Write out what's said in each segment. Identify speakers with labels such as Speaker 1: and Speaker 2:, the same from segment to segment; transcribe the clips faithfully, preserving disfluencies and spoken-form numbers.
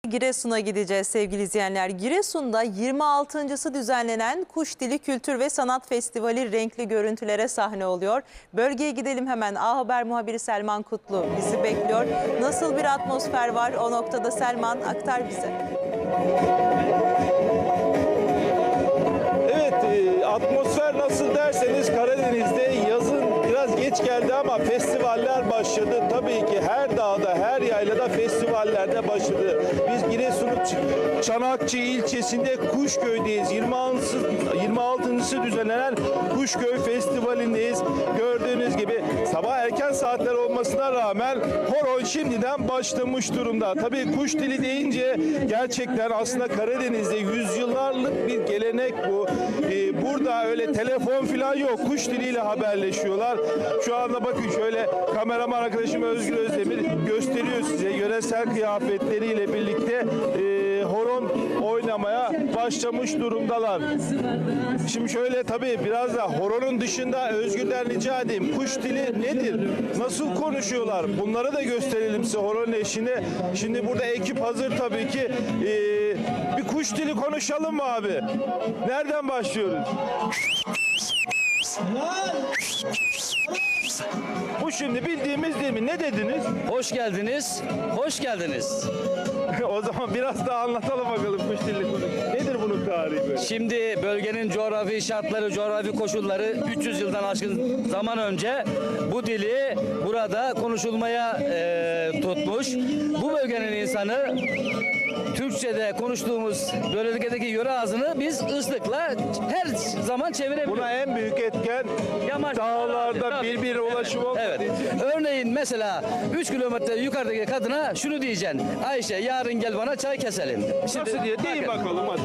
Speaker 1: Giresun'a gideceğiz sevgili izleyenler. Giresun'da yirmi altıncısı düzenlenen Kuş Dili Kültür ve Sanat Festivali renkli görüntülere sahne oluyor. Bölgeye gidelim hemen. A Haber muhabiri Selman Kutlu bizi bekliyor. Nasıl bir atmosfer var o noktada Selman, aktar bize.
Speaker 2: Evet, e, atmosfer nasıl derseniz Karadeniz'de yazın biraz geç geldi ama festivaller başladı. Tabii ki her dağda, her yaylada festivallerde başladı. Biz Giresun'un Çanakçı ilçesinde Kuşköy'deyiz. yirmi altıncısı düzenlenen Kuşköy Festivali'ndeyiz. Gördüğünüz gibi sabah erken saatler olmasına rağmen horon şimdiden başlamış durumda. Tabii kuş dili deyince gerçekten aslında Karadeniz'de yüzyıllarlık bir gelenek bu. Ee, burada öyle telefon falan yok. Kuş diliyle haberleşiyorlar. Şu anda bakın şöyle kameraman arkadaşım Özgür Özdemir gösteriyor size. Yöresel kıyafetleriyle birlikte e, horon oynamaya başlamış durumdalar. Şimdi şöyle tabii biraz da horonun dışında Özgür'den rica edeyim. Kuş dili nedir? Nasıl konuşuyorlar? Bunları da gösterelim size horonun eşini. Şimdi burada ekip hazır tabii ki. Ee, bir kuş dili konuşalım mı abi? Nereden başlıyoruz? Bu şimdi bildiğimiz değil mi? Ne dediniz?
Speaker 3: Hoş geldiniz, hoş geldiniz.
Speaker 2: O zaman biraz daha anlatalım bakalım kuş dili konu. Nedir bunun tarihi böyle?
Speaker 3: Şimdi bölgenin coğrafi şartları, coğrafi koşulları üç yüz yıldan aşkın zaman önce bu dili burada konuşulmaya e, tutmuş. Bu bölgenin insanı Türkçe'de konuştuğumuz bölgedeki yöre ağzını biz ıslıkla her zaman çevirebiliyoruz.
Speaker 2: Buna en büyük etken
Speaker 3: Yamaç
Speaker 2: dağlarda
Speaker 3: Tabii.
Speaker 2: birbirine ulaşım olmadığı
Speaker 3: Evet.
Speaker 2: için.
Speaker 3: Örneğin mesela üç kilometre yukarıdaki kadına şunu diyeceksin. Ayşe yarın gel bana çay keselim.
Speaker 2: Nasıl diye deyin
Speaker 3: bakın.
Speaker 2: bakalım hadi.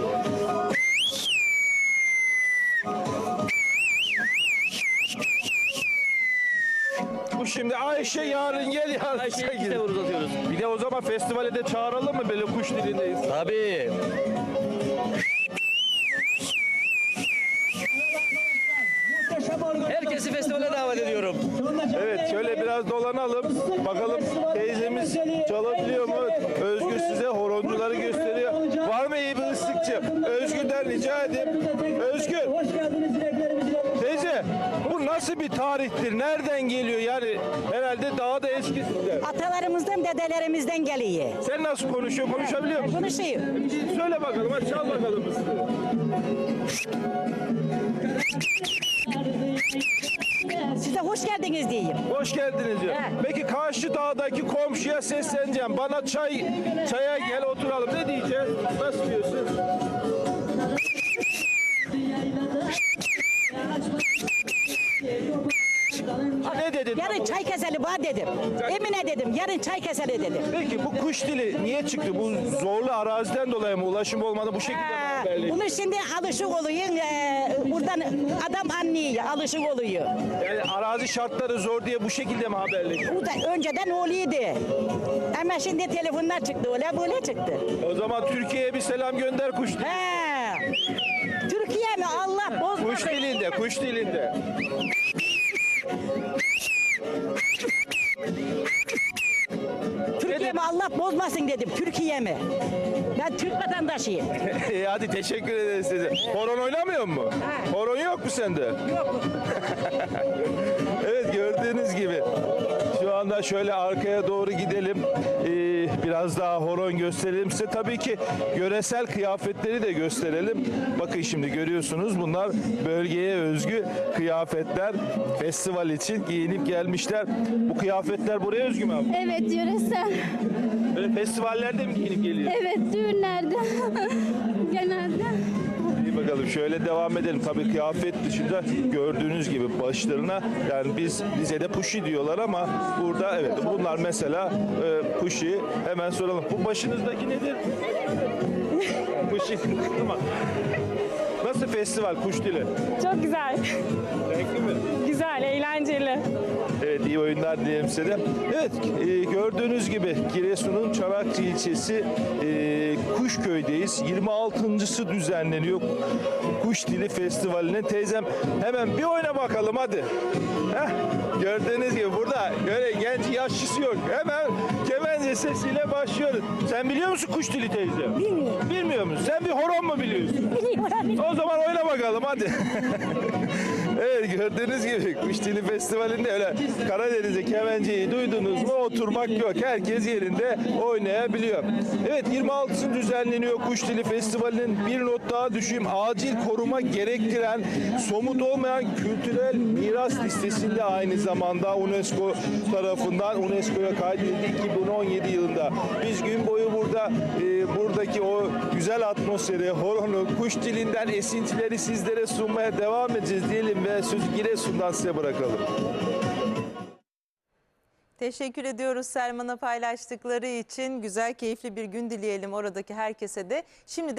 Speaker 2: Bu şimdi Ayşe yarın gel yarın
Speaker 3: Ayşe'yi
Speaker 2: sen
Speaker 3: iki
Speaker 2: gel.
Speaker 3: de uzatıyoruz.
Speaker 2: Bir de o zaman festivale de çağıralım mı böyle kuş dilindeyiz?
Speaker 3: Tabii. Herkesi festivale davet ediyorum.
Speaker 2: Evet şöyle biraz dolanalım. Bakalım teyzemiz çalabiliyor mu? Özgür size horoncuları gösteriyor. Var mı iyi bir ıslıkçı? Özgür'den rica edeyim. Özgür. Teyze bu nasıl bir tarihtir? Nereden geliyor? Yani herhalde daha da eski sizden.
Speaker 4: Atalarımızdan, dedelerimizden geliyor.
Speaker 2: Sen nasıl konuşuyorsun? Konuşabiliyor musun?
Speaker 4: Konuşuyor.
Speaker 2: Söyle bakalım. Hadi çal bakalım ıslığı.
Speaker 4: Size hoş geldiniz diyeyim.
Speaker 2: Hoş geldiniz diyor.
Speaker 4: Evet.
Speaker 2: Peki karşı dağdaki komşuya sesleneceğim. Bana çay, çaya gel oturalım. Ne diyeceğiz? Nasıl diyorsun? Ha, ne dedin?
Speaker 4: Yarın çay keseli bana dedim. Emine dedim, yarın çay keseli dedim.
Speaker 2: Peki bu kuş dili niye çıktı? Bu zorlu araziden dolayı mı? Ulaşım olmadı bu şekilde mi
Speaker 4: Ha,
Speaker 2: haberleşti?
Speaker 4: bunu şimdi alışık oluyor. E, buradan adam anlıyor, alışık oluyor.
Speaker 2: Yani arazi şartları zor diye bu şekilde mi haberleşti?
Speaker 4: Bu da önceden oluyordu. Ama şimdi telefonlar çıktı, öyle böyle çıktı.
Speaker 2: O zaman Türkiye'ye bir selam gönder kuş dili.
Speaker 4: He. Türkiye mi? Allah bozmasın.
Speaker 2: Kuş dilinde, kuş dilinde.
Speaker 4: Türkiye mi? Allah bozmasın dedim. Türkiye mi? Ben Türk vatandaşıyım.
Speaker 2: İyi, hadi teşekkür ederiz size. Horon oynamıyor mu?
Speaker 4: Ha.
Speaker 2: Horon yok mu sende?
Speaker 4: Yok.
Speaker 2: Evet gördüğünüz gibi şu anda şöyle arkaya doğru gidelim. Ee, biraz daha horon gösterelim size. Tabii ki yöresel kıyafetleri de gösterelim. Bakın şimdi görüyorsunuz bunlar bölgeye özgü kıyafetler. Festival için giyinip gelmişler. Bu kıyafetler buraya özgü mü abi?
Speaker 5: Evet, yöresel.
Speaker 2: Böyle festivallerde mi giyinip geliyor?
Speaker 5: Evet, düğünlerde. Genelde.
Speaker 2: İyi bakalım şöyle devam edelim. Tabii kıyafet dışında gördüğünüz gibi başlarına yani biz Rize'de puşi diyorlar ama burada evet bunlar mesela e, puşi. Hemen soralım. Bu başınızdaki nedir? Puşi. Tamam. Nasıl festival kuş dili?
Speaker 6: Çok güzel.
Speaker 2: Renkli mi?
Speaker 6: Güzel, eğlenceli.
Speaker 2: Evet iyi oyunlar dilerim size de. Evet e, gördüğünüz gibi Giresun'un Çanakçı ilçesi e, Kuşköy'deyiz. yirmi altıncısı düzenleniyor Kuş Dili Festivali'ne. Teyzem hemen bir oyna bakalım hadi. Heh, gördüğünüz gibi burada öyle genç yaşlısı yok. Hemen kemer Kemence sesiyle başlıyoruz. Sen biliyor musun kuş dili teyze? Bilmiyorum. Bilmiyor musun? Sen bir horon mu biliyorsun? Biliyorum. O zaman oyna bakalım hadi. Evet, gördüğünüz gibi Kuş Dili Festivali'nde öyle Karadeniz'e kemenceyi duydunuz mu oturmak yok. Herkes yerinde oynayabiliyor. Evet, yirmi altısında düzenleniyor Kuş Dili Festivali'nin. Bir not daha düşeyim. Acil koruma gerektiren somut olmayan kültürel miras listesinde aynı zamanda UNESCO tarafından UNESCO'ya kaydedildi iki bin on yedi yılında. Biz gün boyu burada e, buradaki o güzel atmosferi, horonu, kuş dilinden esintileri sizlere sunmaya devam edeceğiz diyelim ve sözü Giresun'dan size bırakalım.
Speaker 1: Teşekkür ediyoruz Selman'a paylaştıkları için. Güzel, keyifli bir gün dileyelim oradaki herkese de. Şimdi de